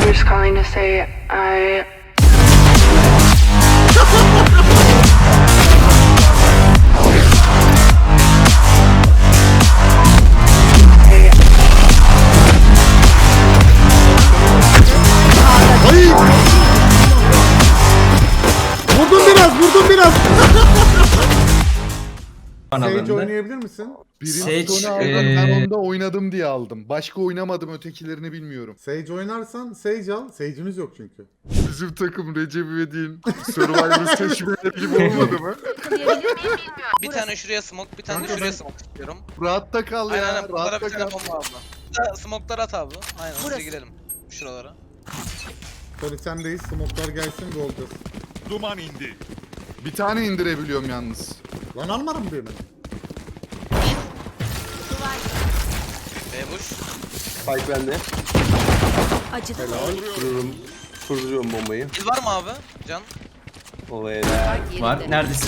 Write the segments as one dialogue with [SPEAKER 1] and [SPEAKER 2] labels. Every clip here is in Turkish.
[SPEAKER 1] just calling to say I
[SPEAKER 2] Ay! Vurdum biraz. Sage oynayabilir misin?
[SPEAKER 3] Sage,
[SPEAKER 4] Birinci Tony aldım, ben onda oynadım diye aldım. Başka oynamadım, ötekilerini bilmiyorum.
[SPEAKER 2] Sage oynarsan Sage al. Sage'imiz yok çünkü.
[SPEAKER 4] Bizim takım Recep İvedik'in Survivor seçmeleri gibi olmadı mı?
[SPEAKER 3] bir tane şuraya smoke, bir tane de
[SPEAKER 2] Kanka
[SPEAKER 3] şuraya
[SPEAKER 2] ben-
[SPEAKER 3] smoke istiyorum.
[SPEAKER 4] Rahatta kal
[SPEAKER 3] Aynen
[SPEAKER 4] ya,
[SPEAKER 3] aynen. Bunlara
[SPEAKER 4] rahatta
[SPEAKER 3] bir tane
[SPEAKER 4] kal.
[SPEAKER 3] bomba abla. Smoke'lar at abi. Aynen hızlı girelim. Şuralara.
[SPEAKER 2] Tony sendeyiz. Smoke'lar gelsin gol olacağız.
[SPEAKER 5] Duman indi.
[SPEAKER 4] Bir tane indirebiliyorum yalnız.
[SPEAKER 2] Lan almadım birini.
[SPEAKER 3] Bush.
[SPEAKER 6] Spike bende.
[SPEAKER 2] Helal.
[SPEAKER 6] Kurduruyorum bombayı.
[SPEAKER 3] Kill var mı abi? Can.
[SPEAKER 6] Olaya
[SPEAKER 7] Var. Neredesin?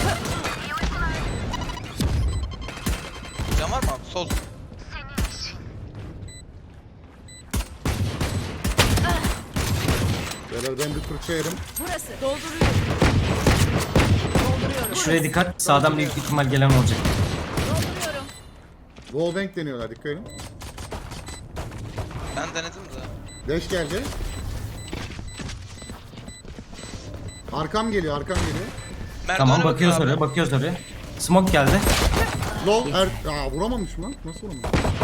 [SPEAKER 3] Can var mı abi? Sol.
[SPEAKER 2] Beyler ben bir fırça yerim.
[SPEAKER 7] Şuraya dikkat. Sağdan büyük ihtimal gelen olacak.
[SPEAKER 2] Wallbang deniyorlar, dikkat edin.
[SPEAKER 3] Ben denedim de.
[SPEAKER 2] Dash geldi. Arkam geliyor.
[SPEAKER 7] Tamam
[SPEAKER 3] Merdivene
[SPEAKER 7] bakıyoruz
[SPEAKER 3] bakın abi.
[SPEAKER 7] oraya. Bakıyoruz oraya. Smoke geldi.
[SPEAKER 2] Low. Aa vuramamış mı? Nasıl vuramamış?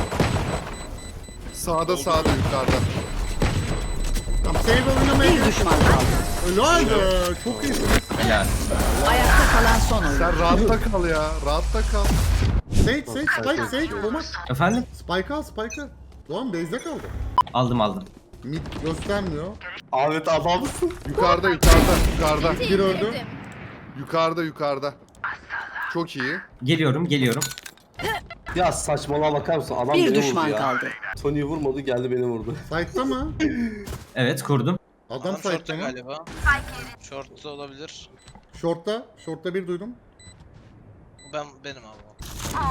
[SPEAKER 4] Sağda yukarıda.
[SPEAKER 2] Tamam save oynamaya
[SPEAKER 8] Bir düşman kaldı.
[SPEAKER 2] Helal be. Çok iyisiniz.
[SPEAKER 7] Helal.
[SPEAKER 8] Ayakta kalan son oyun.
[SPEAKER 4] Sen rahatta kal ya, rahatta kal.
[SPEAKER 2] Sage. Sage. Thomas.
[SPEAKER 7] Efendim?
[SPEAKER 2] Spike'a. Doğan base'de kaldı.
[SPEAKER 7] Aldım.
[SPEAKER 2] Mid göstermiyor.
[SPEAKER 6] Ahmet adamsın.
[SPEAKER 4] Yukarıda.
[SPEAKER 2] Bir öldü.
[SPEAKER 4] Yukarıda. Çok iyi.
[SPEAKER 7] Geliyorum.
[SPEAKER 6] Ya saçmalığa bakar mısın? Adam
[SPEAKER 8] Bir
[SPEAKER 6] beni
[SPEAKER 8] düşman
[SPEAKER 6] vurdu ya.
[SPEAKER 8] kaldı.
[SPEAKER 6] Tony vurmadı geldi beni vurdu.
[SPEAKER 2] Side'da mı?
[SPEAKER 7] Evet kurdum.
[SPEAKER 2] Adam
[SPEAKER 3] Short'ta
[SPEAKER 2] side'da mı?
[SPEAKER 3] galiba. Short'ta olabilir.
[SPEAKER 2] Short'ta bir duydum.
[SPEAKER 3] Benim abi.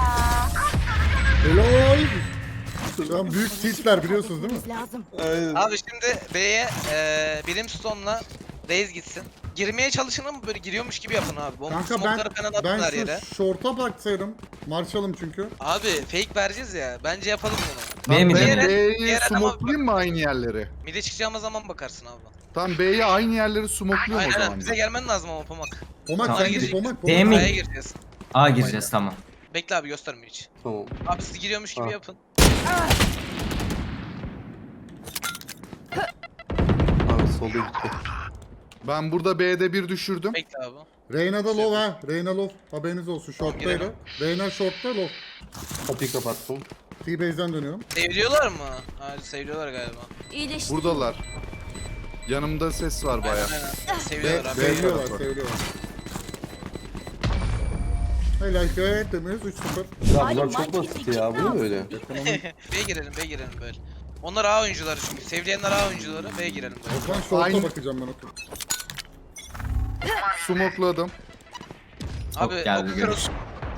[SPEAKER 2] Helal. Şu an büyük tiltler biliyorsunuz değil mi?
[SPEAKER 6] Aynen.
[SPEAKER 3] Abi şimdi B'ye Brimstone'la Raze gitsin. Girmeye çalışın ama böyle giriyormuş gibi yapın abi. Bomba
[SPEAKER 2] Kanka
[SPEAKER 3] smoke'ları falan atın her yere.
[SPEAKER 2] şu short'a baksaydım. Marshall'ım çünkü.
[SPEAKER 3] Abi fake vereceğiz ya. Bence yapalım bunu.
[SPEAKER 7] B mi
[SPEAKER 4] Ben
[SPEAKER 7] dedin?
[SPEAKER 4] B'yi
[SPEAKER 3] diğer adama
[SPEAKER 4] smokelayayım mı aynı yerleri?
[SPEAKER 3] Mid'e çıkacağımız zaman bakarsın abi.
[SPEAKER 4] Tamam B'ye aynı yerleri smokluyorum o
[SPEAKER 3] Aynen
[SPEAKER 4] zaman.
[SPEAKER 3] bize gelmen lazım ama Pomak.
[SPEAKER 2] Pomak
[SPEAKER 7] Tamam.
[SPEAKER 2] sen gidip Pomak.
[SPEAKER 7] Değil mi?
[SPEAKER 3] A'ya gireceğiz.
[SPEAKER 7] A gireceğiz tamam.
[SPEAKER 3] Bekle abi gösterme hiç.
[SPEAKER 6] Tamam.
[SPEAKER 3] Abi siz giriyormuş gibi
[SPEAKER 6] Ha.
[SPEAKER 3] yapın.
[SPEAKER 6] Abi solda gitti.
[SPEAKER 4] Ben burada B'de bir düşürdüm.
[SPEAKER 3] Bekle abi.
[SPEAKER 2] Reyna'da low ha. Reyna low. Haberiniz olsun. Short'taydı.
[SPEAKER 3] girelim.
[SPEAKER 2] Reyna short'ta low.
[SPEAKER 6] Kapıyı kapattım.
[SPEAKER 2] T-base'den dönüyorum.
[SPEAKER 3] Seviyorlar mı? Hadi seviyorlar galiba.
[SPEAKER 4] Buradalar. Yanımda ses var baya.
[SPEAKER 3] Aynen. Seviyorlar abi.
[SPEAKER 2] Seviliyorlar. Helal gayet temiz 3-0.
[SPEAKER 6] Ya bunlar çok basit ya. Bu ne böyle?
[SPEAKER 3] B'ye girelim böyle. Onlar A oyuncuları çünkü. Sevleyenler A oyuncuları. B'ye girelim böyle.
[SPEAKER 2] O zaman short'a
[SPEAKER 4] Aynı-
[SPEAKER 2] bakacağım ben otur.
[SPEAKER 4] Smokladım.
[SPEAKER 3] Abi
[SPEAKER 7] geldi,
[SPEAKER 3] okuyoruz.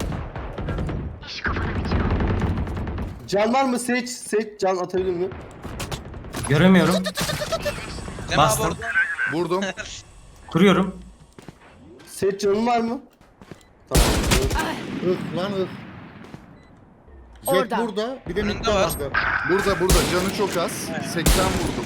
[SPEAKER 6] Can var mı? Seç can atabilir mi?
[SPEAKER 7] Göremiyorum.
[SPEAKER 3] Cem abi
[SPEAKER 7] Bastım.
[SPEAKER 3] orada.
[SPEAKER 4] Vurdum.
[SPEAKER 7] Kuruyorum.
[SPEAKER 6] Seç canın var mı? Tamam.
[SPEAKER 2] Lan ıh. Jet
[SPEAKER 8] Orada.
[SPEAKER 2] burada. Bir de
[SPEAKER 3] Önünde
[SPEAKER 2] midde
[SPEAKER 3] var.
[SPEAKER 2] vardı.
[SPEAKER 4] Burada. Canı çok az. 80 vurdum.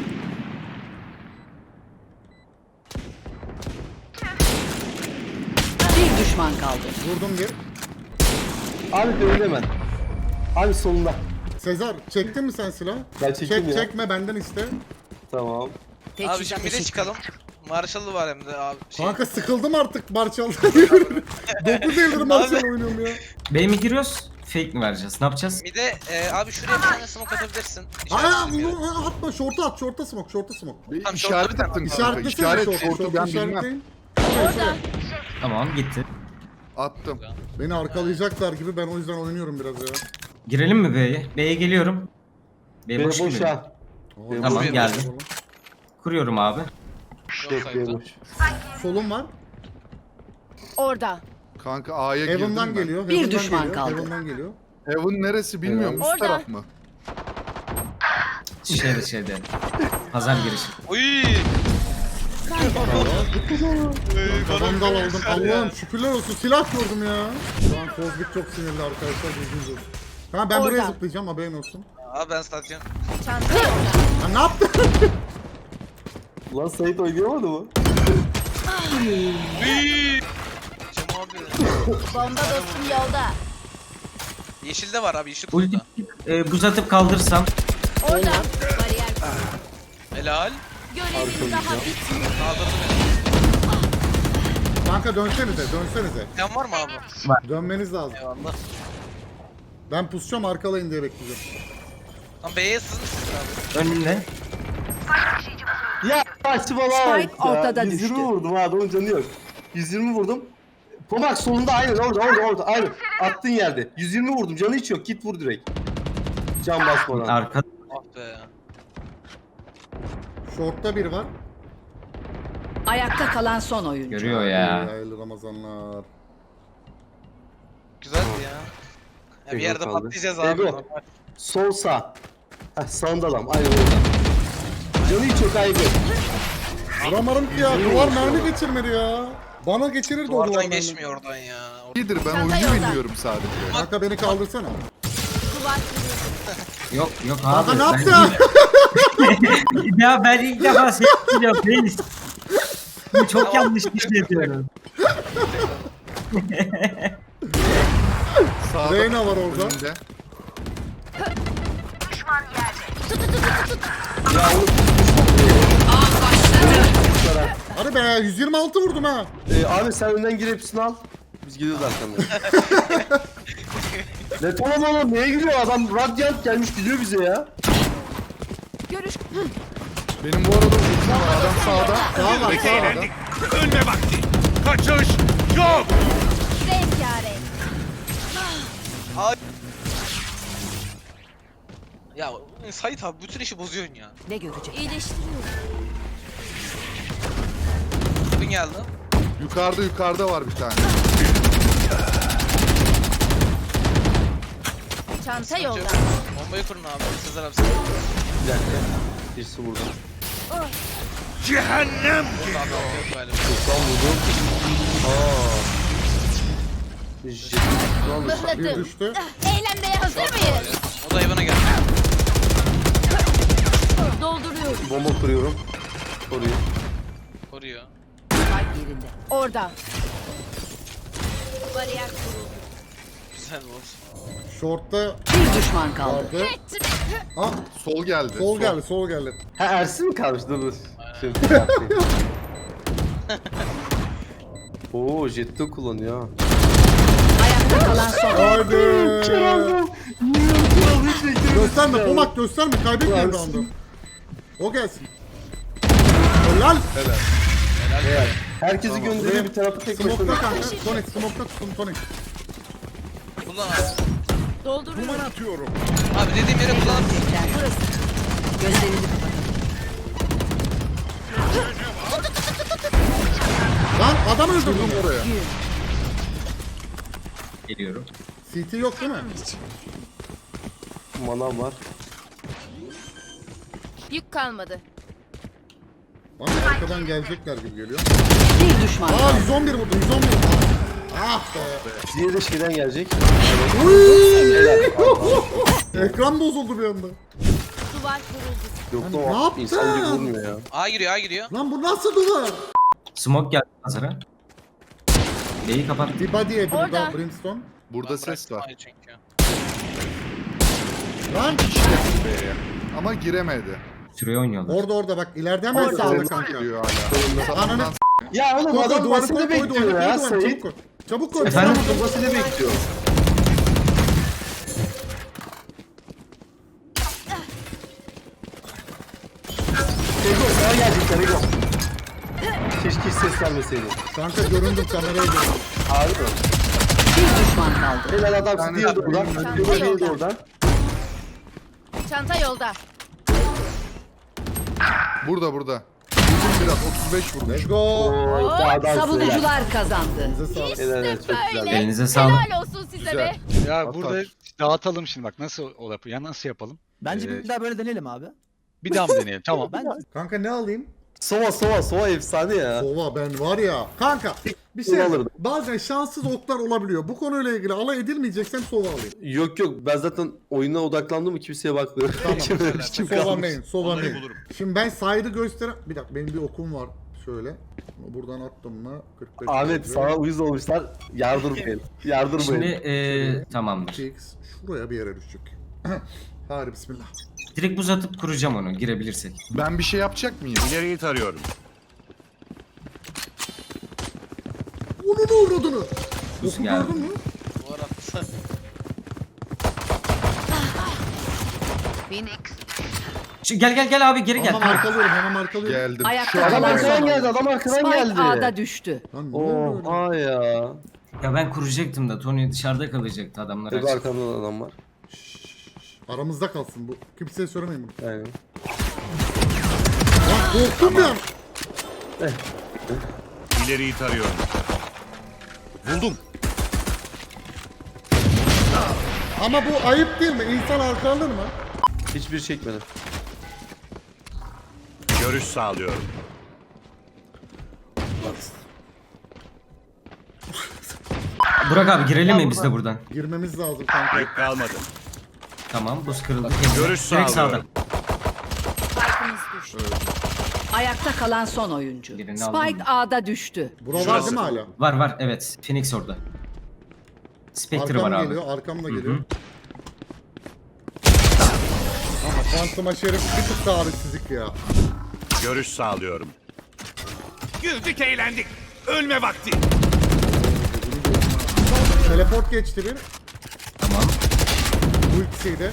[SPEAKER 8] Bir düşman kaldı.
[SPEAKER 2] Vurdum bir.
[SPEAKER 6] Abi önünde hemen. Abi solunda.
[SPEAKER 2] Sezar çektin mi sen silah?
[SPEAKER 6] Ben çektim ya.
[SPEAKER 2] Çekme benden iste.
[SPEAKER 6] Tamam.
[SPEAKER 3] Abi
[SPEAKER 8] Teçhizat
[SPEAKER 3] şimdi bir de
[SPEAKER 8] eşit.
[SPEAKER 3] çıkalım. Marshall'ı var hem de abi.
[SPEAKER 2] Kanka sıkıldım artık Marshall'dan. 9 yıldır Marshall oynuyorum ya.
[SPEAKER 7] B mi giriyoruz? Fake mi vereceğiz? Ne yapacağız?
[SPEAKER 3] Bir de abi şuraya bir tane smoke atabilirsin.
[SPEAKER 2] Aa
[SPEAKER 3] İşaretli bir yere.
[SPEAKER 2] atma short'a smoke.
[SPEAKER 4] Bir
[SPEAKER 3] Tamam,
[SPEAKER 4] işaret
[SPEAKER 3] şortla bir
[SPEAKER 4] attın
[SPEAKER 3] tane.
[SPEAKER 4] kanka.
[SPEAKER 2] İşaretlesene
[SPEAKER 4] İşaret
[SPEAKER 2] short'u.
[SPEAKER 4] şortu ben bilmem.
[SPEAKER 2] işaretleyin.
[SPEAKER 7] Tamam gitti.
[SPEAKER 4] Attım.
[SPEAKER 2] Beni arkalayacaklar gibi ben o yüzden oynuyorum biraz ya.
[SPEAKER 7] Girelim mi B'ye? B'ye geliyorum. B
[SPEAKER 6] Beni
[SPEAKER 7] boş
[SPEAKER 6] boş
[SPEAKER 7] gibi.
[SPEAKER 6] ha.
[SPEAKER 7] Tamam
[SPEAKER 3] Boş.
[SPEAKER 7] geldim. Kuruyorum abi.
[SPEAKER 3] Yok
[SPEAKER 6] Beni
[SPEAKER 3] sayıda.
[SPEAKER 6] boş.
[SPEAKER 2] Solum var.
[SPEAKER 8] Orada.
[SPEAKER 4] Kanka A'ya girdim
[SPEAKER 2] Heaven'dan
[SPEAKER 4] ben.
[SPEAKER 2] geliyor.
[SPEAKER 8] Bir
[SPEAKER 2] Heaven'dan
[SPEAKER 8] düşman
[SPEAKER 2] geliyor,
[SPEAKER 8] kaldı.
[SPEAKER 2] Heaven'dan geliyor.
[SPEAKER 4] Heaven neresi bilmiyorum. Üst
[SPEAKER 8] Orada.
[SPEAKER 4] taraf mı?
[SPEAKER 7] şeyde. Pazar girişi.
[SPEAKER 3] Uy.
[SPEAKER 2] Vandal aldım. Allah'ım şükürler olsun silah gördüm ya. Şu an Kozbik çok sinirli arkadaşlar. Bilginiz olsun. Tamam ben buraya
[SPEAKER 8] Orada.
[SPEAKER 2] zıplayacağım haberin olsun.
[SPEAKER 3] Abi ben satacağım.
[SPEAKER 8] Çanta yolda.
[SPEAKER 2] Ha ne yaptın?
[SPEAKER 6] Lan Sait oynayamadı mı?
[SPEAKER 3] Uy. Cem abi.
[SPEAKER 8] Bomba dostum yolda.
[SPEAKER 3] Yeşilde var abi yeşil
[SPEAKER 7] Ulti
[SPEAKER 3] kutuda.
[SPEAKER 7] buz atıp kaldırsam.
[SPEAKER 8] Orada. Bariyer.
[SPEAKER 3] Helal.
[SPEAKER 8] Görevin daha bitmiyor.
[SPEAKER 3] Kaldırdı beni.
[SPEAKER 2] Kanka dönsenize.
[SPEAKER 3] Sen var mı abi?
[SPEAKER 2] Dönmeniz lazım.
[SPEAKER 3] Eyvallah.
[SPEAKER 2] Ben pusacağım arkalayın diye bekleyeceğim.
[SPEAKER 3] Lan B'ye sızmışsın abi.
[SPEAKER 7] Önünde.
[SPEAKER 6] Ya saçmalama
[SPEAKER 8] Spike
[SPEAKER 6] ya.
[SPEAKER 8] ortada
[SPEAKER 6] 120
[SPEAKER 8] düştü.
[SPEAKER 6] vurdum ha adamın canı yok. 120 vurdum. Pomak solunda aynen orada aynen. Attığın yerde. 120 vurdum canı hiç yok git vur direkt. Can basmadan.
[SPEAKER 7] Arka.
[SPEAKER 3] Ah be.
[SPEAKER 2] Short'ta bir var.
[SPEAKER 8] Ayakta kalan son oyuncu.
[SPEAKER 7] Görüyor ya.
[SPEAKER 2] Hayırlı Ramazanlar.
[SPEAKER 3] Güzeldi ya. Ya bir
[SPEAKER 6] Ego
[SPEAKER 3] yerde
[SPEAKER 6] kaldı.
[SPEAKER 3] patlayacağız abi.
[SPEAKER 6] Ego. Sol sağ. Heh sağında adam aynen orada. Canı hiç yok ayıp.
[SPEAKER 2] Vuramadım ki ya. Duvar mermi geçirmedi ya. Bana geçirirdi o duvar
[SPEAKER 3] Duvardan
[SPEAKER 2] mermi.
[SPEAKER 3] geçmiyor oradan ya.
[SPEAKER 4] İyidir ben
[SPEAKER 8] Çanta
[SPEAKER 4] oyunu
[SPEAKER 8] yolda.
[SPEAKER 4] bilmiyorum sadece.
[SPEAKER 2] Kanka beni kaldırsana.
[SPEAKER 7] Yok
[SPEAKER 2] Kanka
[SPEAKER 7] abi.
[SPEAKER 2] ne yaptı?
[SPEAKER 7] Ya ben ilk defa seçtim reis. Bu çok yanlış bir şey diyorum.
[SPEAKER 4] Sağda.
[SPEAKER 2] Reyna var orada.
[SPEAKER 4] Önünde.
[SPEAKER 2] Hadi be 126 vurdum ha.
[SPEAKER 6] Abi sen önden gir hepsini al. Biz gidiyoruz arkamda. Ne tamam oğlum neye giriyor adam Radiant gelmiş gidiyor bize ya.
[SPEAKER 8] Görüş.
[SPEAKER 4] Benim bu arada ultim var. Adam sağda.
[SPEAKER 2] Sağ var sağ.
[SPEAKER 3] Ya Sait abi bütün işi bozuyorsun ya.
[SPEAKER 8] Ne görecek? İyileştiriyorum.
[SPEAKER 3] Bugün geldi.
[SPEAKER 4] Yukarıda var bir tane.
[SPEAKER 8] Çanta yolda.
[SPEAKER 3] Bombayı kurun abi. Sezer abi sen.
[SPEAKER 6] Bir dakika. Birisi burada.
[SPEAKER 3] Burada abi yok galiba.
[SPEAKER 6] Sultan vurdu. Jet. Ne oldu?
[SPEAKER 2] Bir düştü.
[SPEAKER 8] Eğlenmeye hazır mıyız?
[SPEAKER 3] O da hayvana geldi.
[SPEAKER 8] Dolduruyorum.
[SPEAKER 6] Bomba kuruyorum. Koruyor.
[SPEAKER 3] Koruyor.
[SPEAKER 8] Kalp yerinde. Orada. Bariyer kuruldu.
[SPEAKER 3] Güzel bu olsun.
[SPEAKER 2] Short'ta
[SPEAKER 8] Bir düşman kaldı.
[SPEAKER 2] vardı. Ah
[SPEAKER 4] Sol geldi.
[SPEAKER 2] sol geldi.
[SPEAKER 6] Ha Ersin mi kalmış? Dur. Şimdi Oo Jet'te kullanıyor ha.
[SPEAKER 8] Ayakta kalan son oyuncu.
[SPEAKER 2] Haydi. Gösterme Pomak gösterme kaybetmeyin roundu. O gelsin. Helal.
[SPEAKER 6] Herkesi gönderiyor bir tarafı tek
[SPEAKER 2] Smoke'ta
[SPEAKER 6] başına.
[SPEAKER 2] kanka. Sonic smoke'ta tutun Sonic.
[SPEAKER 3] Kullan abi.
[SPEAKER 8] Dolduruyorum.
[SPEAKER 3] Abi dediğim yere kullan.
[SPEAKER 8] Burası. Gözlerini kapat.
[SPEAKER 2] Lan adam öldürdüm oraya.
[SPEAKER 7] Geliyorum.
[SPEAKER 2] CT yok değil mi?
[SPEAKER 6] Manam var.
[SPEAKER 8] Yük kalmadı.
[SPEAKER 2] Lan arkadan gelecekler gibi geliyor.
[SPEAKER 8] Bir düşman
[SPEAKER 2] Aa
[SPEAKER 8] kaldı.
[SPEAKER 2] 111 vurdu 111. Ah be.
[SPEAKER 6] Diğeri de şeyden gelecek.
[SPEAKER 2] Ekran bozuldu bir anda.
[SPEAKER 8] Duvar kuruldu.
[SPEAKER 6] Yok
[SPEAKER 2] Ne
[SPEAKER 6] da
[SPEAKER 2] yaptın?
[SPEAKER 6] insan gibi vurmuyor ya.
[SPEAKER 3] A giriyor A giriyor.
[SPEAKER 2] Lan bu nasıl duvar?
[SPEAKER 7] Smoke geldi hazıra. B'yi kapat.
[SPEAKER 2] Bir body yedi burada
[SPEAKER 8] Orada.
[SPEAKER 2] Brimstone.
[SPEAKER 4] Burada
[SPEAKER 3] Ben
[SPEAKER 4] ses
[SPEAKER 3] bıraktım
[SPEAKER 4] var.
[SPEAKER 3] A'yı çünkü.
[SPEAKER 2] Lan
[SPEAKER 4] B'ye. Ama giremedi.
[SPEAKER 7] Süreyi oynuyorlar.
[SPEAKER 2] orada bak ileride hemen
[SPEAKER 6] Orada,
[SPEAKER 2] sağda
[SPEAKER 4] Ses
[SPEAKER 2] kanka.
[SPEAKER 4] geliyor hala.
[SPEAKER 2] Ananı
[SPEAKER 6] Ya oğlum
[SPEAKER 2] koy
[SPEAKER 6] adam
[SPEAKER 2] duvarı
[SPEAKER 6] basını
[SPEAKER 2] koy
[SPEAKER 6] bekliyor
[SPEAKER 2] duvarı
[SPEAKER 6] ya
[SPEAKER 2] koy
[SPEAKER 6] Sait.
[SPEAKER 2] çabuk koy. Çabuk koy.
[SPEAKER 7] Efendim?
[SPEAKER 6] Adam basını bekliyor. Ego sana gelecekler Ego. Keşke hiç ses vermeseydi.
[SPEAKER 2] Kanka göründüm kameraya göründüm.
[SPEAKER 6] Harbi mi?
[SPEAKER 8] Bir düşman kaldı.
[SPEAKER 6] Helal adam
[SPEAKER 4] tane
[SPEAKER 6] diğeri de oradan.
[SPEAKER 8] Çanta
[SPEAKER 6] Diğeri de
[SPEAKER 8] yolda.
[SPEAKER 6] oradan.
[SPEAKER 8] Çanta yolda.
[SPEAKER 4] Burada. Vurdum biraz 35 vurmuş.
[SPEAKER 2] Let's go.
[SPEAKER 6] Oo, daha da
[SPEAKER 8] Savunucular kazandı.
[SPEAKER 2] Size sağlık.
[SPEAKER 6] Helal helal çok güzel.
[SPEAKER 7] Elinize sağlık.
[SPEAKER 8] olsun size
[SPEAKER 2] Güzel.
[SPEAKER 5] Ya
[SPEAKER 4] At,
[SPEAKER 5] burada
[SPEAKER 4] at.
[SPEAKER 5] dağıtalım şimdi bak nasıl o ya nasıl yapalım?
[SPEAKER 9] Bence
[SPEAKER 4] Ee,
[SPEAKER 9] bir daha böyle deneyelim abi.
[SPEAKER 5] Bir daha mı deneyelim? Tamam.
[SPEAKER 2] Kanka ne alayım?
[SPEAKER 6] Sova efsane ya.
[SPEAKER 2] Sova ben var ya. Kanka bir şey
[SPEAKER 6] Sova alırdım.
[SPEAKER 2] bazen şanssız oklar olabiliyor. Bu konuyla ilgili alay edilmeyeceksem sova alayım.
[SPEAKER 6] Yok ben zaten oyuna odaklandım mı kimseye bakmıyorum. Kim
[SPEAKER 2] Sova
[SPEAKER 6] kalmış?
[SPEAKER 2] main, sova
[SPEAKER 5] Onları
[SPEAKER 2] main.
[SPEAKER 5] bulurum.
[SPEAKER 2] Şimdi ben side'ı gösteren... Bir dakika benim bir okum var. Şöyle. Buradan attım mı? 45
[SPEAKER 6] Ahmet
[SPEAKER 2] metre.
[SPEAKER 6] sana uyuz olmuşlar. Yardırmayın. Yardırmayın.
[SPEAKER 7] Şimdi tamamdır.
[SPEAKER 2] 2x şuraya bir yere düşecek. Hadi bismillah.
[SPEAKER 7] Direkt buz atıp kuracağım onu girebilirsek.
[SPEAKER 4] Ben bir şey yapacak mıyım?
[SPEAKER 5] İleriyi tarıyorum.
[SPEAKER 2] Onun uğradığını.
[SPEAKER 7] Buz
[SPEAKER 2] Oku
[SPEAKER 7] geldi.
[SPEAKER 2] gördün mü?
[SPEAKER 3] Bu arada.
[SPEAKER 7] Gel abi geri gel.
[SPEAKER 2] Hemen arkalıyorum hemen arkalıyorum.
[SPEAKER 4] Geldim.
[SPEAKER 8] Ayakta
[SPEAKER 4] Şu an
[SPEAKER 6] Adam
[SPEAKER 8] kalan
[SPEAKER 6] arkadan
[SPEAKER 8] son
[SPEAKER 6] geldi.
[SPEAKER 8] oyuncu.
[SPEAKER 6] Adam arkadan
[SPEAKER 8] Spike
[SPEAKER 6] geldi.
[SPEAKER 8] A'da düştü.
[SPEAKER 2] Lan ne oldu öyle?
[SPEAKER 6] Oha ya.
[SPEAKER 7] Ya ben kuracaktım da Tony dışarıda kalacaktı adamlar.
[SPEAKER 6] Tabii
[SPEAKER 7] açık.
[SPEAKER 6] arkamda adam var.
[SPEAKER 2] Aramızda kalsın bu. Kimseye söylemeyin bunu.
[SPEAKER 6] Aynen.
[SPEAKER 2] Lan korktum ya.
[SPEAKER 5] İleriyi tarıyorum. Buldum.
[SPEAKER 2] Ama bu ayıp değil mi? İnsan arka alır mı?
[SPEAKER 6] Hiçbir çekmedi.
[SPEAKER 5] Görüş sağlıyorum.
[SPEAKER 7] Burak abi girelim mi biz de buradan?
[SPEAKER 2] Girmemiz lazım kanka.
[SPEAKER 5] Yük kalmadı.
[SPEAKER 7] Tamam buz kırıldı.
[SPEAKER 5] Görüş
[SPEAKER 7] Direkt
[SPEAKER 5] sağlıyorum.
[SPEAKER 8] Spike'ımız düştü. Ayakta kalan son oyuncu.
[SPEAKER 7] Birini aldım.
[SPEAKER 8] Spike A'da düştü.
[SPEAKER 2] Bura var
[SPEAKER 5] Şurası.
[SPEAKER 2] değil mi hala?
[SPEAKER 7] Var evet. Phoenix orada. Spectre var
[SPEAKER 2] Arkam
[SPEAKER 7] abi.
[SPEAKER 2] geliyor, arkam da geliyor. Ama Phantom'a şerif bir tık tarihsizlik ya.
[SPEAKER 5] Görüş sağlıyorum. Güldük eğlendik. Ölme vakti.
[SPEAKER 2] Teleport geçti bir.
[SPEAKER 7] Tamam.
[SPEAKER 2] Bu ikisiyi de.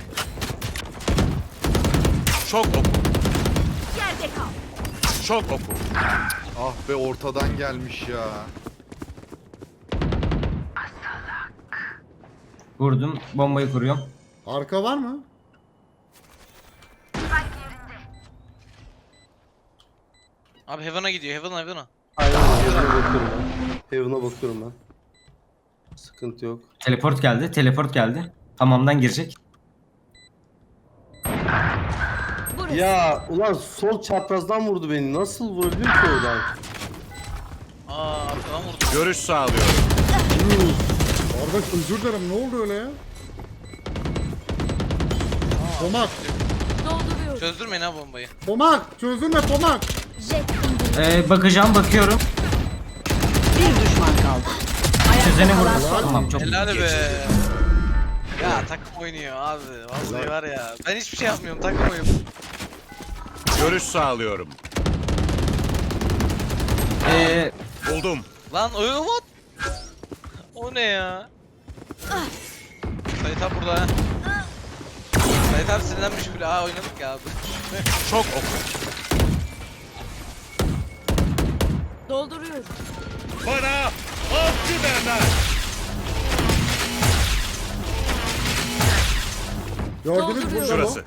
[SPEAKER 5] Çok oku.
[SPEAKER 8] Yerde kal.
[SPEAKER 5] Çok oku.
[SPEAKER 4] Ah be ortadan gelmiş ya.
[SPEAKER 7] Vurdum. Bombayı kuruyorum.
[SPEAKER 2] Arka var mı?
[SPEAKER 3] Abi Heaven'a gidiyor. Heaven'a.
[SPEAKER 6] Aynen Heaven'a bakıyorum ben. Heaven'a bakıyorum ben. Sıkıntı yok.
[SPEAKER 7] Teleport geldi. Teleport geldi. Hamamdan girecek.
[SPEAKER 6] Ya ulan sol çaprazdan vurdu beni. Nasıl vurabilir ki oradan?
[SPEAKER 3] Aa arkadan vurdu.
[SPEAKER 5] Görüş sağlıyorum.
[SPEAKER 2] Kardeş özür dilerim ne oldu öyle ya? Pomak.
[SPEAKER 8] Dolduruyor.
[SPEAKER 3] Çözdürmeyin ha bombayı.
[SPEAKER 2] Pomak. Çözülme Pomak.
[SPEAKER 7] Bakacağım bakıyorum.
[SPEAKER 8] Bir düşman kaldı.
[SPEAKER 7] Çözeni
[SPEAKER 8] kalan
[SPEAKER 7] vurdu.
[SPEAKER 8] son
[SPEAKER 7] Tamam çok
[SPEAKER 3] Helal be. Ya takım oynuyor abi. Vallahi var ya. Ben hiçbir şey yapmıyorum. Takım oynuyor.
[SPEAKER 5] Görüş sağlıyorum. Buldum.
[SPEAKER 3] Lan what? O ne ya? Sait abi burada ha. Sait abi sinirlenmiş bile. Aa oynadık ya abi.
[SPEAKER 5] Çok oku.
[SPEAKER 8] Dolduruyor.
[SPEAKER 5] Bana avcı derler.
[SPEAKER 2] Gördünüz mü?
[SPEAKER 5] Şurası.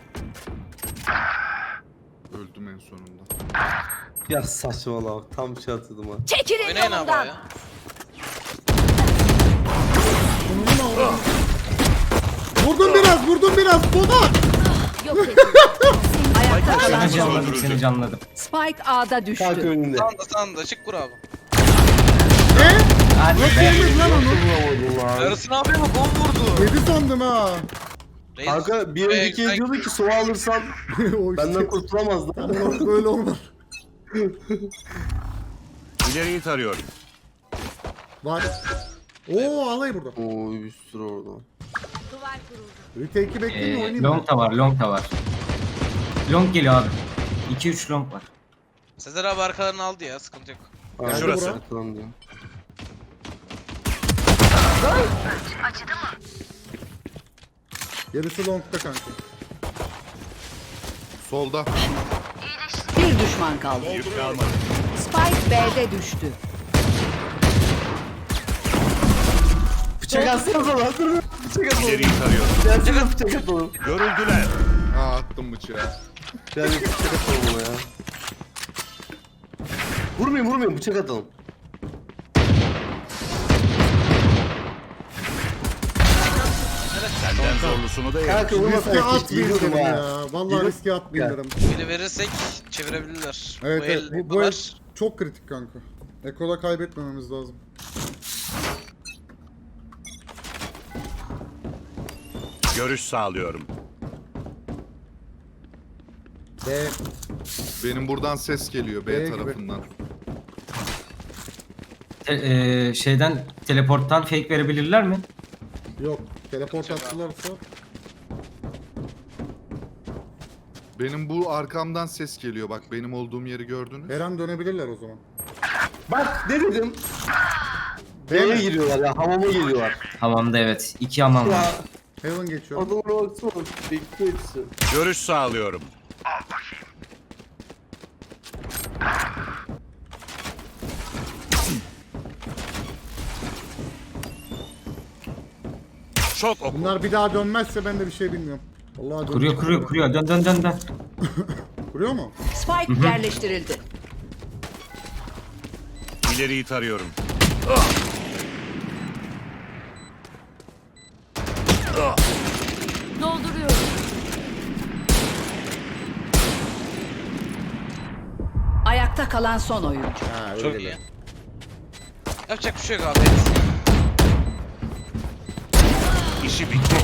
[SPEAKER 4] Öldüm en sonunda.
[SPEAKER 6] Ya saçmalama bak tam şey atladım ha.
[SPEAKER 8] Çekilin
[SPEAKER 3] Oynayın abi
[SPEAKER 8] yolumdan.
[SPEAKER 3] ya.
[SPEAKER 2] Vurdum biraz Pomak.
[SPEAKER 8] Yok edin. Ayakta kalan
[SPEAKER 7] seni
[SPEAKER 8] son.
[SPEAKER 7] canladım. Seni canladım.
[SPEAKER 8] Spike A'da düştü.
[SPEAKER 6] Kanka önünde.
[SPEAKER 3] Sağında çık kur abi.
[SPEAKER 2] Ne?
[SPEAKER 7] Hadi
[SPEAKER 2] Nasıl
[SPEAKER 7] be.
[SPEAKER 2] yedin lan onu?
[SPEAKER 6] Vuramadım lan.
[SPEAKER 3] Yarısını abi bak 10 vurdu.
[SPEAKER 2] Yedi sandım ha.
[SPEAKER 3] Reis,
[SPEAKER 6] Kanka bir önceki
[SPEAKER 3] sen-
[SPEAKER 6] diyordu ki sova alırsan
[SPEAKER 2] O işte.
[SPEAKER 6] benden kurtulamazdı.
[SPEAKER 2] Ama böyle olmaz.
[SPEAKER 5] İleriyi tarıyorum.
[SPEAKER 2] Var. Oo alay burada.
[SPEAKER 6] Oy bir sürü orada.
[SPEAKER 8] Duvar kuruldu.
[SPEAKER 2] Retake'i bekleyeyim mi oynayayım mı?
[SPEAKER 7] Long da var. Long da var. Long geliyor abi. 2-3 long var.
[SPEAKER 3] Sezer abi arkalarını aldı ya. Sıkıntı yok.
[SPEAKER 6] Aynen,
[SPEAKER 5] Şurası.
[SPEAKER 6] arkadan diyor.
[SPEAKER 2] Gerisi long'da kanka.
[SPEAKER 4] Solda.
[SPEAKER 8] Bir düşman kaldı.
[SPEAKER 5] Yük kalmadı.
[SPEAKER 8] Spike B'de düştü.
[SPEAKER 6] Bıçak atsanıza lan. Dur, bıçak atalım.
[SPEAKER 5] İleriyi tarıyorum.
[SPEAKER 6] Gelsene bıçak atalım.
[SPEAKER 5] Görüldüler.
[SPEAKER 4] Ha attım bıçağı.
[SPEAKER 6] Gel bir bıçak atalım ona ya. Vurmayın bıçak atalım.
[SPEAKER 5] Benden zorlusunu da yerim.
[SPEAKER 6] Kanka vurma
[SPEAKER 2] Riske
[SPEAKER 6] sen.
[SPEAKER 2] atmayın
[SPEAKER 6] Biliyordum
[SPEAKER 2] dedim
[SPEAKER 6] ha.
[SPEAKER 2] ya. Vallahi riske atmayın dedim.
[SPEAKER 3] Biri verirsek çevirebilirler.
[SPEAKER 2] Evet,
[SPEAKER 3] bu
[SPEAKER 2] evet
[SPEAKER 3] el
[SPEAKER 2] bu el
[SPEAKER 3] var.
[SPEAKER 2] çok kritik kanka. Eko'da kaybetmememiz lazım.
[SPEAKER 5] Görüş sağlıyorum.
[SPEAKER 2] B.
[SPEAKER 4] Benim buradan ses geliyor
[SPEAKER 2] B
[SPEAKER 4] B
[SPEAKER 2] gibi.
[SPEAKER 4] tarafından.
[SPEAKER 7] Şeyden teleporttan fake verebilirler mi?
[SPEAKER 2] Yok. Teleport attılarsa
[SPEAKER 4] Benim bu arkamdan ses geliyor. Bak benim olduğum yeri gördünüz.
[SPEAKER 2] her an dönebilirler o zaman.
[SPEAKER 6] Bak ne dedim?
[SPEAKER 2] B
[SPEAKER 6] B'ye
[SPEAKER 2] mi?
[SPEAKER 6] giriyorlar ya, hamama giriyorlar.
[SPEAKER 7] Hamamda evet. 2 hamam var.
[SPEAKER 6] Ya
[SPEAKER 2] Heaven geçiyor.
[SPEAKER 6] adamlara baksana, bekliyor hepsi.
[SPEAKER 5] Görüş sağlıyorum. Çok oku.
[SPEAKER 2] Bunlar bir daha dönmezse ben de bir şey bilmiyorum. Vallahi
[SPEAKER 7] Kuruyor. Dön.
[SPEAKER 2] Kuruyor mu?
[SPEAKER 8] Spike yerleştirildi.
[SPEAKER 5] İleriyi tarıyorum.
[SPEAKER 8] Dolduruyorum. Ayakta kalan son oyuncu.
[SPEAKER 2] Ha
[SPEAKER 3] Çok
[SPEAKER 2] öyle
[SPEAKER 3] iyi.
[SPEAKER 2] de.
[SPEAKER 3] Yapacak bir şey yok abi.
[SPEAKER 5] İşi bitti.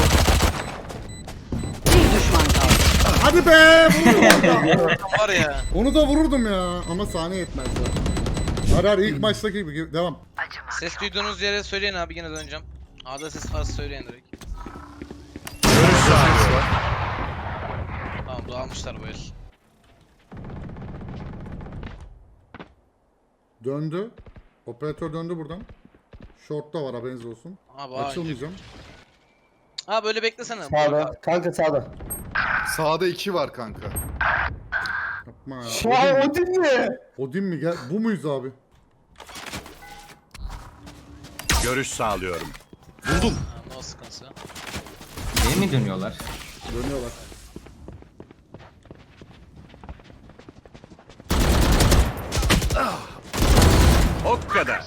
[SPEAKER 8] Bir düşman kaldı.
[SPEAKER 2] Hadi be! Vurdum.
[SPEAKER 3] Var ya.
[SPEAKER 2] Onu da vururdum ya. Ama saniye yetmez ya. Arar ilk maçtaki gibi. Devam.
[SPEAKER 3] Ses duyduğunuz yere söyleyin abi, yine döneceğim. A'da ses varsa söyleyin direkt.
[SPEAKER 5] Görüş sağlıyorum.
[SPEAKER 3] Tamam, dağılmışlar bu el.
[SPEAKER 2] Döndü. Operatör döndü buradan. Short'ta var haberiniz olsun.
[SPEAKER 3] Abi
[SPEAKER 2] Açılmayacağım.
[SPEAKER 3] Ha böyle beklesene.
[SPEAKER 6] Sağda, kanka sağda.
[SPEAKER 4] Sağda 2 var kanka.
[SPEAKER 2] Yapma ya.
[SPEAKER 6] Şu an Odin mi?
[SPEAKER 2] Odin mi? Gel. Bu muyuz abi?
[SPEAKER 5] Görüş sağlıyorum.
[SPEAKER 3] Ha, no sıkıntısı.
[SPEAKER 7] B'ye mi dönüyorlar?
[SPEAKER 2] Dönüyorlar.
[SPEAKER 5] O kadar.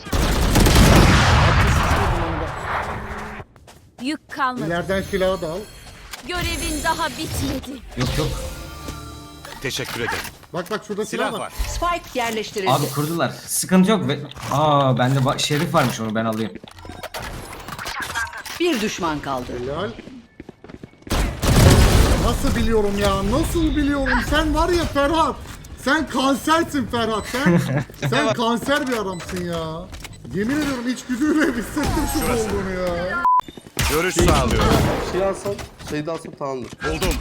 [SPEAKER 9] Yük kalmadı.
[SPEAKER 2] İleriden silahı da al.
[SPEAKER 9] Görevin daha bitmedi.
[SPEAKER 7] Yok.
[SPEAKER 5] Teşekkür ederim.
[SPEAKER 2] Bak bak şurada silah,
[SPEAKER 5] Silah
[SPEAKER 2] var.
[SPEAKER 5] var.
[SPEAKER 8] Spike yerleştirildi.
[SPEAKER 7] Abi kurdular. Sıkıntı yok. Bende şerif varmış, onu ben alayım.
[SPEAKER 8] Bir düşman kaldı.
[SPEAKER 2] Helal. Nasıl biliyorum ya? Nasıl biliyorum? Sen var ya Ferhat. Sen kansersin Ferhat. Sen kanser bir adamsın ya. Yemin ediyorum içgüdüyle hissettim şu olduğunu ya.
[SPEAKER 5] Görüş sağlıyorum.
[SPEAKER 6] Şey alsam, şeyde alsam tamamdır.
[SPEAKER 5] Buldum.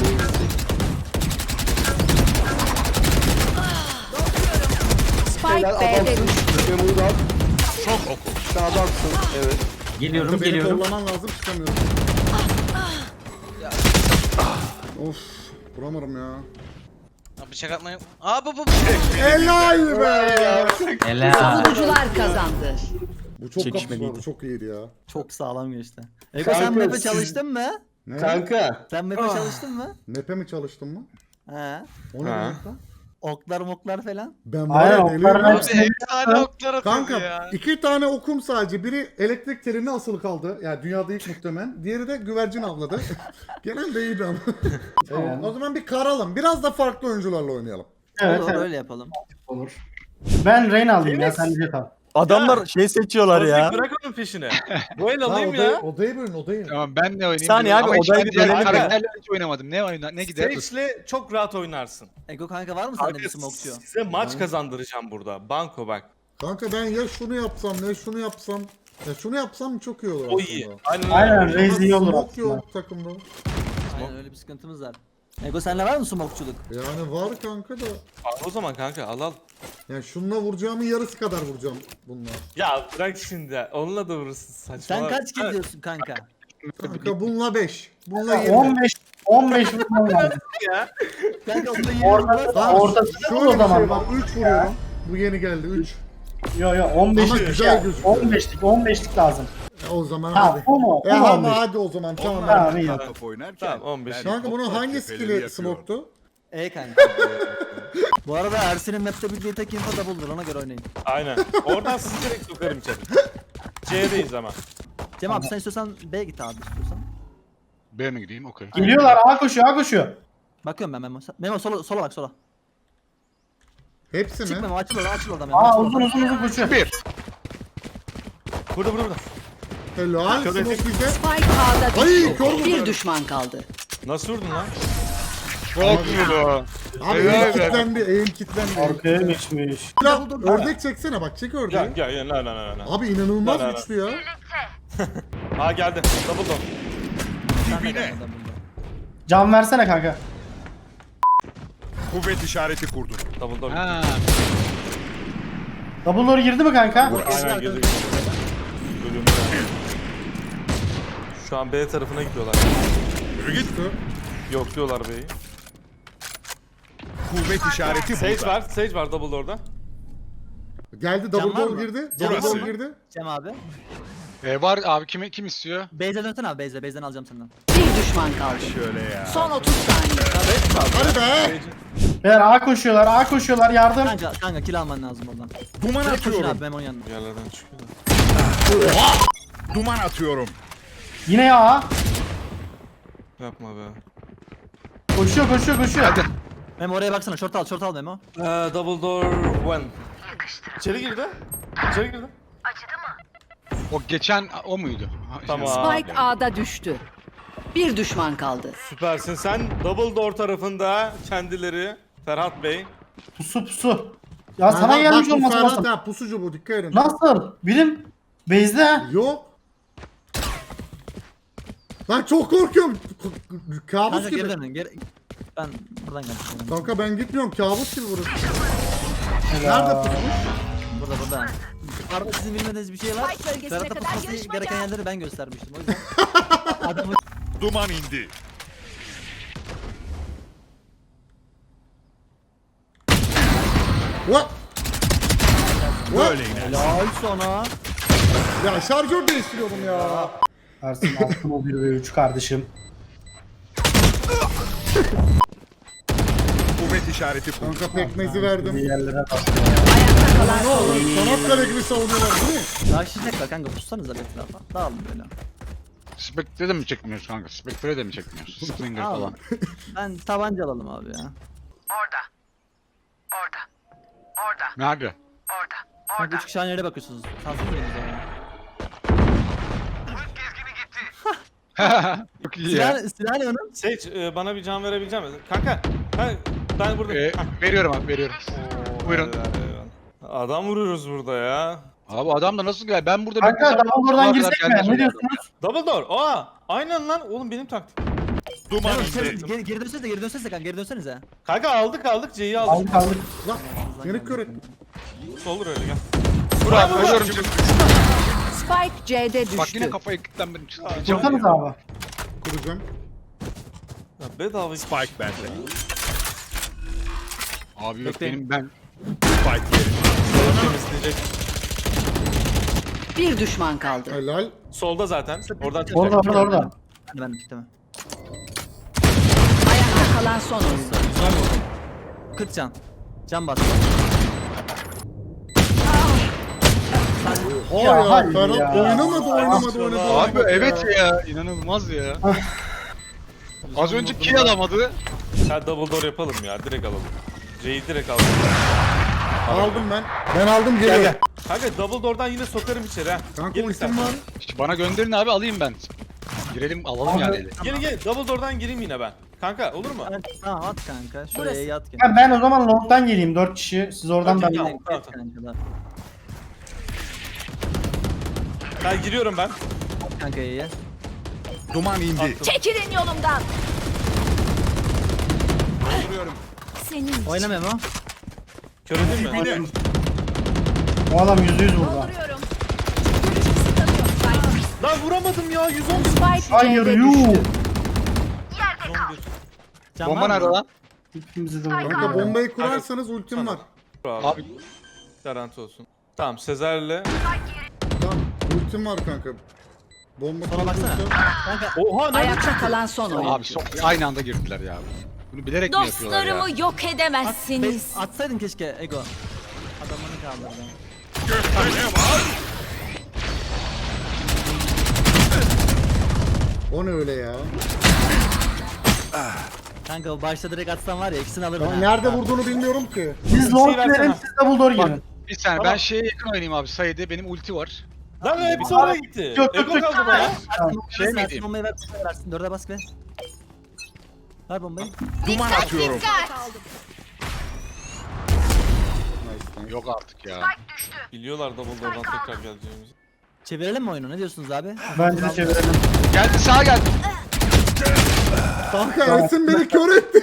[SPEAKER 8] Spike
[SPEAKER 6] Helal
[SPEAKER 8] B'de
[SPEAKER 6] adamsın.
[SPEAKER 8] düştü.
[SPEAKER 6] Memo'yu da al.
[SPEAKER 5] Çok oku.
[SPEAKER 6] Sen adamsın. Evet.
[SPEAKER 7] Geliyorum.
[SPEAKER 2] Beni kollaman lazım çıkamıyorum. Of. Vuramadım ya.
[SPEAKER 3] Ha, bıçak atmayı... Aa bu.
[SPEAKER 2] Helal be.
[SPEAKER 7] Helal.
[SPEAKER 8] Savunucular kazandı.
[SPEAKER 2] Bu çok kapışma, bu çok iyiydi ya.
[SPEAKER 10] Çok sağlam geçti. Ego
[SPEAKER 6] Kanka,
[SPEAKER 10] sen map'e
[SPEAKER 6] siz-
[SPEAKER 10] çalıştın mı?
[SPEAKER 2] Ne?
[SPEAKER 6] Kanka.
[SPEAKER 10] Sen map'e çalıştın mı?
[SPEAKER 2] Map'e mi çalıştın mı?
[SPEAKER 10] He.
[SPEAKER 2] O ne demek lan?
[SPEAKER 10] Oklar moklar falan.
[SPEAKER 2] Ben var ya deliyim.
[SPEAKER 3] Abi efsane oklar atıyor
[SPEAKER 2] Kanka
[SPEAKER 3] ya.
[SPEAKER 2] 2 tane okum sadece. Biri elektrik teline asılı kaldı. Yani dünyada ilk muhtemelen. Diğeri de güvercin avladı. Genelde iyiydi ama. Evet, o zaman bir karalım. Biraz da farklı oyuncularla oynayalım.
[SPEAKER 10] Olur öyle yapalım.
[SPEAKER 11] Ben Reyna alayım ya, sen Jet al.
[SPEAKER 10] Adamlar şey seçiyorlar ya.
[SPEAKER 12] Bırak onun peşine. Bu el
[SPEAKER 2] Tamam,
[SPEAKER 12] alayım ya.
[SPEAKER 2] odayı bölün odayı.
[SPEAKER 12] Tamam ben ne oynayayım?
[SPEAKER 10] Saniye abi,
[SPEAKER 12] Ama hiç
[SPEAKER 10] odayı
[SPEAKER 12] ben
[SPEAKER 10] bir
[SPEAKER 12] diğer
[SPEAKER 10] bölelim ya.
[SPEAKER 12] karakterlerle hiç oynamadım. Ne gider?
[SPEAKER 5] Sage'le çok rahat oynarsın.
[SPEAKER 10] Ego kanka var mı sende bir smoke'çu?
[SPEAKER 12] Size maç kazandıracağım burada. Banko bak.
[SPEAKER 2] Kanka ben ya şunu yapsam ya şunu yapsam. Ya şunu yapsam çok iyi olur
[SPEAKER 12] O
[SPEAKER 2] aslında.
[SPEAKER 12] iyi.
[SPEAKER 11] Aynen, Raze iyi olur
[SPEAKER 2] Smoke
[SPEAKER 11] aslında.
[SPEAKER 2] yok takımda.
[SPEAKER 10] Aynen öyle bir sıkıntımız var. Ego sende var mı smoke'çuluk?
[SPEAKER 2] Yani var kanka da.
[SPEAKER 12] Al o zaman kanka al.
[SPEAKER 2] Yani şununla vuracağımın yarısı kadar vuracağım bununla.
[SPEAKER 12] Ya bırak şimdi. Onunla da vurursun saçma.
[SPEAKER 10] Sen kaç kill diyorsun kanka?
[SPEAKER 2] Kanka bununla 5. Bununla 20.
[SPEAKER 11] 15 vurmam lazım.
[SPEAKER 10] Kanka onda 20
[SPEAKER 11] Ortası
[SPEAKER 2] Şöyle
[SPEAKER 11] o
[SPEAKER 2] bir şey
[SPEAKER 11] zaman.
[SPEAKER 2] var. 3 vuruyorum. Bu yeni geldi 3.
[SPEAKER 11] Yo 15
[SPEAKER 2] Ama güzel gözüküyor.
[SPEAKER 11] 15'lik lazım.
[SPEAKER 2] O zaman
[SPEAKER 11] Ha
[SPEAKER 2] hadi.
[SPEAKER 11] bu mu? Bu mu
[SPEAKER 2] Ama
[SPEAKER 11] 15?
[SPEAKER 2] hadi o zaman tamam.
[SPEAKER 11] Tamam iyi.
[SPEAKER 5] Top oynarken.
[SPEAKER 12] Tamam 15.
[SPEAKER 2] Kanka bunun hangi skill'i smoke'tu?
[SPEAKER 10] kanka. Bu arada Ersin'in map'te bildiği tek info double'dır, ona göre oynayın.
[SPEAKER 12] Aynen. Oradan sizi direkt sokarım içeri. C'deyiz ama.
[SPEAKER 10] Cem abi sen istiyorsan B git abi istiyorsan.
[SPEAKER 5] B mi gideyim? Okey.
[SPEAKER 11] Geliyorlar. A koşuyor, A koşuyor.
[SPEAKER 10] Bakıyorum ben Memo. Memo sola bak sola.
[SPEAKER 2] Hepsi
[SPEAKER 10] Çık
[SPEAKER 2] mi?
[SPEAKER 10] Memo açıl orada Memo.
[SPEAKER 11] A
[SPEAKER 10] açıl
[SPEAKER 11] uzun
[SPEAKER 10] orada.
[SPEAKER 11] uzun koşuyor.
[SPEAKER 12] Burada.
[SPEAKER 2] Helal.
[SPEAKER 12] Kör
[SPEAKER 2] Smoke
[SPEAKER 12] ettik.
[SPEAKER 2] bize.
[SPEAKER 8] Spike A'da
[SPEAKER 2] Ay,
[SPEAKER 8] düştü.
[SPEAKER 2] kör vurdu.
[SPEAKER 8] Bir düşman kaldı.
[SPEAKER 12] Nasıl vurdun lan?
[SPEAKER 5] Çok iyi bu.
[SPEAKER 2] Abi eğim kilitlendi. Eğim kilitlendi.
[SPEAKER 11] Arkaya geçmiş.
[SPEAKER 2] Ya, ördek çeksene bak. Çek ördeği.
[SPEAKER 12] Gel. La.
[SPEAKER 2] Abi inanılmaz
[SPEAKER 12] La.
[SPEAKER 2] güçlü ya.
[SPEAKER 12] Aa geldi. Double door.
[SPEAKER 5] Dibine.
[SPEAKER 11] Can versene kanka.
[SPEAKER 5] Kuvvet işareti kurdum.
[SPEAKER 12] Double door.
[SPEAKER 5] Ha.
[SPEAKER 11] Double door girdi mi kanka?
[SPEAKER 12] Aynen girdi. Bölümde. Şu an B tarafına gidiyorlar.
[SPEAKER 5] Yürü git.
[SPEAKER 12] Yok diyorlar B'yi.
[SPEAKER 5] Kuvvet işareti
[SPEAKER 12] Sage var double door'da.
[SPEAKER 2] Geldi
[SPEAKER 10] Can
[SPEAKER 2] double
[SPEAKER 10] var
[SPEAKER 2] door
[SPEAKER 10] mı?
[SPEAKER 2] girdi.
[SPEAKER 10] Can
[SPEAKER 2] Double
[SPEAKER 5] var
[SPEAKER 2] door
[SPEAKER 5] mı?
[SPEAKER 2] girdi.
[SPEAKER 10] Cem abi.
[SPEAKER 5] Var abi kim istiyor?
[SPEAKER 10] Beyze dönsene abi Beyze. Beyze'den alacağım senden.
[SPEAKER 8] Bir düşman kaldı.
[SPEAKER 5] Şöyle ya.
[SPEAKER 8] Son 30 saniye.
[SPEAKER 2] Hadi be.
[SPEAKER 11] Beyler A koşuyorlar, A koşuyorlar. Yardım.
[SPEAKER 10] Kanka kill alman lazım oradan.
[SPEAKER 5] Duman
[SPEAKER 10] Direkt koşun
[SPEAKER 5] atıyorum.
[SPEAKER 10] abi Memo'nun yanına.
[SPEAKER 12] Yerlerden çıkıyor da.
[SPEAKER 5] Duman atıyorum.
[SPEAKER 11] Yine A.
[SPEAKER 12] Yapma be.
[SPEAKER 11] Koşuyor.
[SPEAKER 10] Memo oraya baksana short al Memo.
[SPEAKER 12] Double door one. İçeri girdi.
[SPEAKER 5] O geçen o muydu?
[SPEAKER 12] Tamam.
[SPEAKER 8] Spike A'da düştü. Bir düşman kaldı.
[SPEAKER 12] Süpersin sen. Double door tarafında kendileri. Ferhat Bey.
[SPEAKER 11] Pusu. Ya sana
[SPEAKER 2] Bak,
[SPEAKER 11] gelmiş
[SPEAKER 2] bu
[SPEAKER 11] olması
[SPEAKER 2] Ferhat
[SPEAKER 11] lazım.
[SPEAKER 2] ha, pusucu bu, dikkat edin.
[SPEAKER 11] Nasıl? Birim base'de.
[SPEAKER 2] Yok. Lan çok korkuyorum. Kabus
[SPEAKER 10] Kanka
[SPEAKER 2] gibi.
[SPEAKER 10] geri dönün. Ben buradan geldim.
[SPEAKER 2] Kanka ben gitmiyorum. Kabus gibi burası. Nerede pusmuş?
[SPEAKER 10] Burada. Arada sizin bilmediğiniz bir şey var.
[SPEAKER 8] Spike bölgesine
[SPEAKER 10] Ferhat'a
[SPEAKER 8] kadar
[SPEAKER 10] tutması
[SPEAKER 8] yarışmaca.
[SPEAKER 10] gereken yerleri ben göstermiştim. O yüzden adamı
[SPEAKER 5] Duman indi.
[SPEAKER 2] What?
[SPEAKER 5] Böyle iner.
[SPEAKER 10] helal sana.
[SPEAKER 2] Ya şarjör değiştiriyorum ya.
[SPEAKER 11] Ersin attım o 1 ve 3 kardeşim.
[SPEAKER 5] Kuvvet işareti kurdum.
[SPEAKER 2] Kanka pekmezi verdim.
[SPEAKER 11] Bir yerlere bak.
[SPEAKER 8] Ayakta kalan
[SPEAKER 2] Ne
[SPEAKER 8] son
[SPEAKER 2] olur
[SPEAKER 8] oyuncu.
[SPEAKER 2] Çanakkale gibi savunuyorlar değil mi?
[SPEAKER 10] Taşıyacaklar kanka pussanıza bir etrafa. Dağılın böyle.
[SPEAKER 5] Spectre de mi çekmiyoruz kanka? Spectre de mi çekmiyoruz? Springer
[SPEAKER 10] Al.
[SPEAKER 5] falan.
[SPEAKER 10] Ben tabanca alalım abi ya.
[SPEAKER 5] Nerede?
[SPEAKER 10] Kanka 3 kişi aynı yere bakıyorsunuz. Kalsın mıyız o zaman?
[SPEAKER 5] Çok iyi ya.
[SPEAKER 10] Silah ne onun?
[SPEAKER 12] Sage bana bir can verebilecek misin? Kanka. Ben buradayım.
[SPEAKER 5] Veriyorum abi veriyorum. Buyurun.
[SPEAKER 12] Adam vuruyoruz burada ya.
[SPEAKER 5] Abi adam da nasıl gel? Ben burada
[SPEAKER 11] Kanka double door'dan girsek mi? Ne diyorsunuz?
[SPEAKER 12] Double door. Aa, aynen lan. Oğlum benim taktik.
[SPEAKER 5] Duman
[SPEAKER 10] Geri dönsenize kanka geri dönsenize.
[SPEAKER 12] Kanka aldık C'yi aldık.
[SPEAKER 11] Aldık.
[SPEAKER 2] Lan beni kör ettin.
[SPEAKER 12] Olur öyle gel.
[SPEAKER 5] Bravo. Ölüyorum şimdi.
[SPEAKER 8] Spike C'de düştü.
[SPEAKER 5] Bak yine kafayı kilitlendim. Çıldıracağım
[SPEAKER 11] Kursanız
[SPEAKER 5] ya.
[SPEAKER 11] abi.
[SPEAKER 2] Kuracağım.
[SPEAKER 12] Ya bedava
[SPEAKER 5] Spike bende. Abi yok
[SPEAKER 10] Bekleyin.
[SPEAKER 5] benim ben. Spike yerim.
[SPEAKER 12] temizleyecek.
[SPEAKER 8] Bir düşman kaldı.
[SPEAKER 2] Helal.
[SPEAKER 12] Solda zaten. Oradan çıkacak.
[SPEAKER 11] Orada.
[SPEAKER 10] Hadi ben bitti mi?
[SPEAKER 8] Ayakta kalan son oyuncu.
[SPEAKER 10] 40 can. Can bas.
[SPEAKER 2] Aa
[SPEAKER 11] Ya,
[SPEAKER 2] ya,
[SPEAKER 11] hayır
[SPEAKER 2] Ferhat
[SPEAKER 11] ya.
[SPEAKER 2] oynamadı.
[SPEAKER 5] Abi evet ya. İnanılmaz ya. Az önce kill alamadı.
[SPEAKER 12] Ya double door yapalım ya. Direkt alalım. C'yi direkt alalım.
[SPEAKER 2] Aldım ben. Ben aldım geri.
[SPEAKER 12] Kanka double door'dan yine sokarım içeri ha.
[SPEAKER 2] Kanka
[SPEAKER 12] Gelin
[SPEAKER 2] ultim
[SPEAKER 12] sen.
[SPEAKER 2] var.
[SPEAKER 5] İşte bana gönderin abi alayım ben. Girelim alalım
[SPEAKER 11] Abi,
[SPEAKER 5] yani eli.
[SPEAKER 12] Gelin double door'dan gireyim yine ben. Kanka olur mu?
[SPEAKER 10] Tamam at kanka. Şuraya yat gel.
[SPEAKER 11] Ya ben o zaman long'dan geleyim 4 kişi. Siz oradan ben.
[SPEAKER 12] Tamam. Ben giriyorum ben.
[SPEAKER 10] Kanka iyi.
[SPEAKER 5] Duman indi.
[SPEAKER 9] Çekilin yolumdan. Senin
[SPEAKER 10] Oyna Memo.
[SPEAKER 12] Kör edeyim mi?
[SPEAKER 11] O adam %100 vurdu.
[SPEAKER 9] dolduruyorum. Görüş kısıtlanıyor.
[SPEAKER 12] Lan vuramadım ya 110.
[SPEAKER 8] Spike
[SPEAKER 11] Hayır
[SPEAKER 8] C'de
[SPEAKER 11] yuh.
[SPEAKER 8] düştü.
[SPEAKER 10] Can
[SPEAKER 5] Bomba
[SPEAKER 10] var mı?
[SPEAKER 5] nerede lan?
[SPEAKER 11] Hepimizi de vurdu.
[SPEAKER 2] Kanka bombayı kurarsanız ultim var.
[SPEAKER 5] Abi
[SPEAKER 12] Garanti olsun. Tamam Sezer'le.
[SPEAKER 2] Tamam ultim var kanka. Bomba
[SPEAKER 10] Sola baksana.
[SPEAKER 2] kurulursa-
[SPEAKER 10] Kanka
[SPEAKER 12] Oha nerede
[SPEAKER 8] Ayakta
[SPEAKER 12] çıktı?
[SPEAKER 8] kalan son oyuncu.
[SPEAKER 5] abi aynı anda girdiler ya. Bunu bilerek mi yapıyorlar ya?
[SPEAKER 9] Dostlarımı yok edemezsiniz.
[SPEAKER 10] atsaydın keşke Ego. Adamını kaldırdı.
[SPEAKER 2] O ne öyle ya?
[SPEAKER 10] Kanka o başta direkt atsan var ya ikisini alırdın.
[SPEAKER 2] Ya
[SPEAKER 10] ha.
[SPEAKER 2] nerede vurduğunu bilmiyorum ki.
[SPEAKER 11] Biz long girelim siz double door girin.
[SPEAKER 5] Bir saniye ben şeye yakın oynayayım abi. Sayede benim ulti var.
[SPEAKER 12] Lan hepsi oraya gitti.
[SPEAKER 11] Yok,
[SPEAKER 12] Ego
[SPEAKER 11] yok,
[SPEAKER 12] kaldı bana.
[SPEAKER 5] Şey mi
[SPEAKER 10] Versin,
[SPEAKER 5] diyeyim?
[SPEAKER 10] bombayı versin. 4'e bas be. Ver bombayı.
[SPEAKER 9] Duman atıyorum.
[SPEAKER 5] Yok artık ya.
[SPEAKER 12] Biliyorlar double door'dan tekrar geleceğimizi.
[SPEAKER 10] Çevirelim mi oyunu? Ne diyorsunuz abi?
[SPEAKER 11] Bence de çevirelim.
[SPEAKER 5] Geldi sağa geldi.
[SPEAKER 2] Kanka Ersin beni kör etti.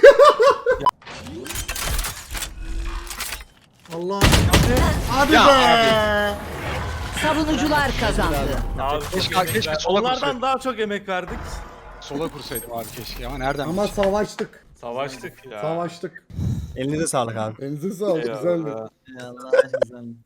[SPEAKER 2] Allah. Hadi
[SPEAKER 5] Ya
[SPEAKER 2] be.
[SPEAKER 8] Savunucular kazandı.
[SPEAKER 12] Abi
[SPEAKER 5] Keşke sola
[SPEAKER 12] onlardan
[SPEAKER 5] kursaydım.
[SPEAKER 12] daha çok emek verdik.
[SPEAKER 5] Sola kursaydım abi keşke ama nereden?
[SPEAKER 2] Ama savaştık.
[SPEAKER 12] Savaştık ya.
[SPEAKER 2] Savaştık.
[SPEAKER 10] Elinize sağlık abi.
[SPEAKER 2] Elinize sağlık, güzeldi.
[SPEAKER 12] Eyvallah.
[SPEAKER 10] Allah güzel.